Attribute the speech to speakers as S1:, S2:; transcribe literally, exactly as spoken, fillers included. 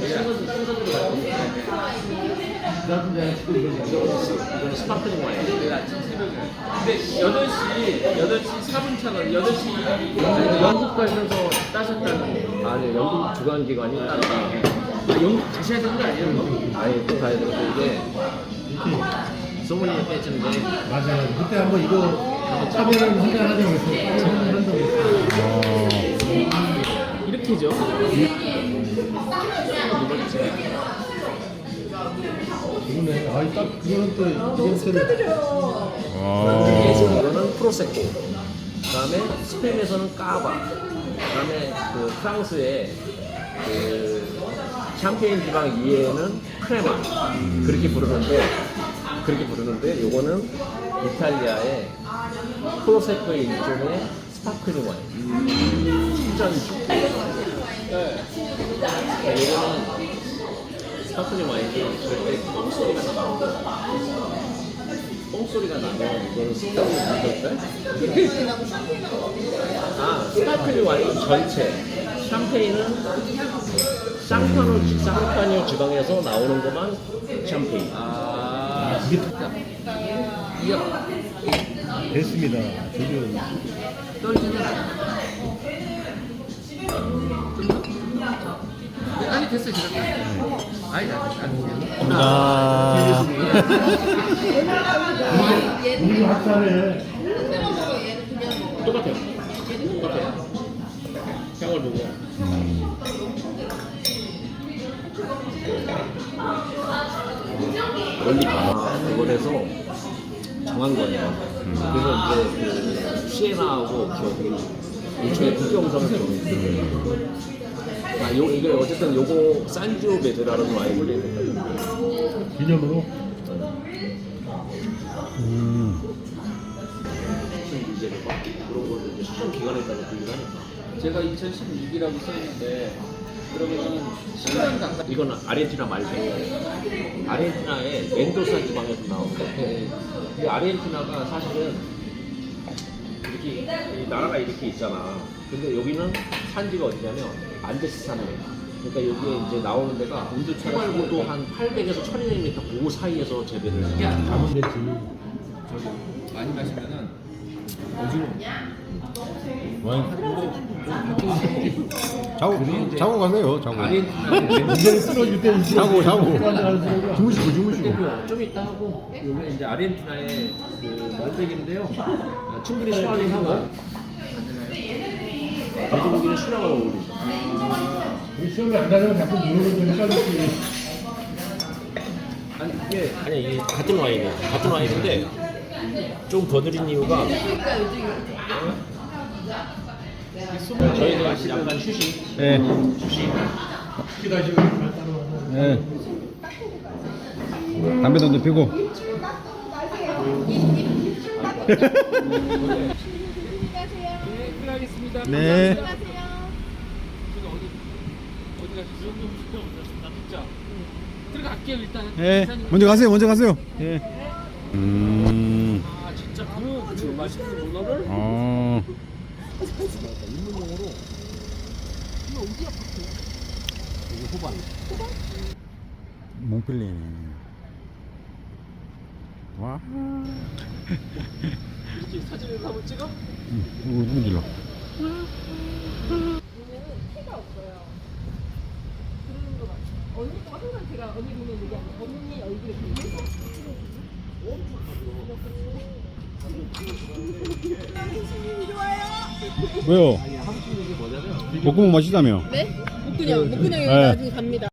S1: 이거는 스파클링 와인. 근데 여덟 시 여덟 시 사 분 차가 여덟 시 영국 가셔서 따셨다는. 아니 영국 주관기관이 따로. 아, 영국 가셔야 되는 거 아니에요? 뭐? 아니 또 가야 되는데 이게 소문이 빼지는데.
S2: 맞아요. 그때 한번 이거 차별을 한잔 하자고 했어. 차별을 한다고 했어.
S1: 이렇게죠.
S2: 그러네. 아, 딱 그거는 또 이벤트를.
S1: 이거는 프로세코. 그다음에 스페인에서는 까바. 그다음에 그 프랑스의 그 샴페인 지방 이외에는 크레마. 그렇게 부르는데 그렇게 부르는데 요거는 이탈리아의 프로세코의 일종의 스파클링 와인. 신전주. 네. 요거는 스파클링 와인이 절대 똥소리가 나고 똥소리가 나면 이거는 스파클링 와인일까요? 아, 스파클링 와인 전체 샴페인은 쌍파뉴, 쌍파뉴 지방에서 나오는 것만 샴페인. 아,
S2: 이게
S1: 이야.
S2: 됐습니다. 저도
S1: 떨리는. 아니 됐어요 지금. 아니 아니
S2: 아. 우리 학살에
S1: 똑같아요. 똑같아요. 향을 보고. 원리 아, 그거에서 정한 거예요. 그래서 이제 그 시에나하고 저기 일종의 국경선을 정했어요. 아, 요, 이게 어쨌든 요거 산지오베드라는 와인을
S2: 기념으로.
S1: 음. 수천 문제를 막 그런 거를 이제 수천 기간에 따라 분류를 하니까.
S3: 제가 이천십육이라고 써있는데 그러면 십 년 가까이.
S1: 이거는 아르헨티나 말고 아르헨티나의 멘도사 지방에서 나온 건데 이 아르헨티나가 사실은 이렇게 이 나라가 이렇게 있잖아. 근데 여기는 산지가 어디냐면 안데스 산맥. 그러니까 여기에 이제 나오는 데가 온도 초말고도 한 팔백에서 천이백 미터 그 사이에서 재배를 해.
S2: 가면 됐지.
S3: 저기 많이 마시면은 오징어
S4: 자고 자고 가세요. 자고.
S1: 아르헨티나는
S2: 이제 쓰러질 때는
S4: 자고 자고.
S2: 주무시고 주무시고.
S1: 근데 좀 이따 하고 여기 이제 아르헨티나의 그 말백인데요. 아, 충분히 수확하고 돼지고기는 수량을 어울리죠.
S2: 시험이 안 나면 자꾸 물어볼 좀 헷갈렸지.
S1: 아니 이게 아니 이게 같은 와인이에요. 같은 와인인데 좀 더 드린 이유가 저희도 약간 휴식.
S4: 네.
S1: 휴식.
S2: 기다시고 따로.
S4: 네. 담배도 좀 피고.
S3: 들어가겠습니다.
S4: 네.
S3: 제가 어디 어디 가시죠? 나 진짜 들어갈게요 일단.
S4: 네. 먼저 가세요. 먼저 가세요. 예. 음.
S3: 아 진짜 그, 그 맛있는 문어를
S4: 어.
S1: 입문용으로 이거 어디야 파트? 이거 호반.
S4: 몽펠레네. 와.
S3: 이렇게 사진을 한번 찍어?
S4: 응. 이거 누구 길러?
S5: 얘는 티가 없어요. 그러는 거 같아요. 언니가 항상 제가 언니 보면 얘기하는 언니 얼굴에 보면서
S4: 왜요?
S1: 아니 하부친 얘기 뭐냐면
S4: 목구멍 맛있다며.
S5: 네? 목근형, 목근형이
S4: 네.
S5: 나중에 갑니다.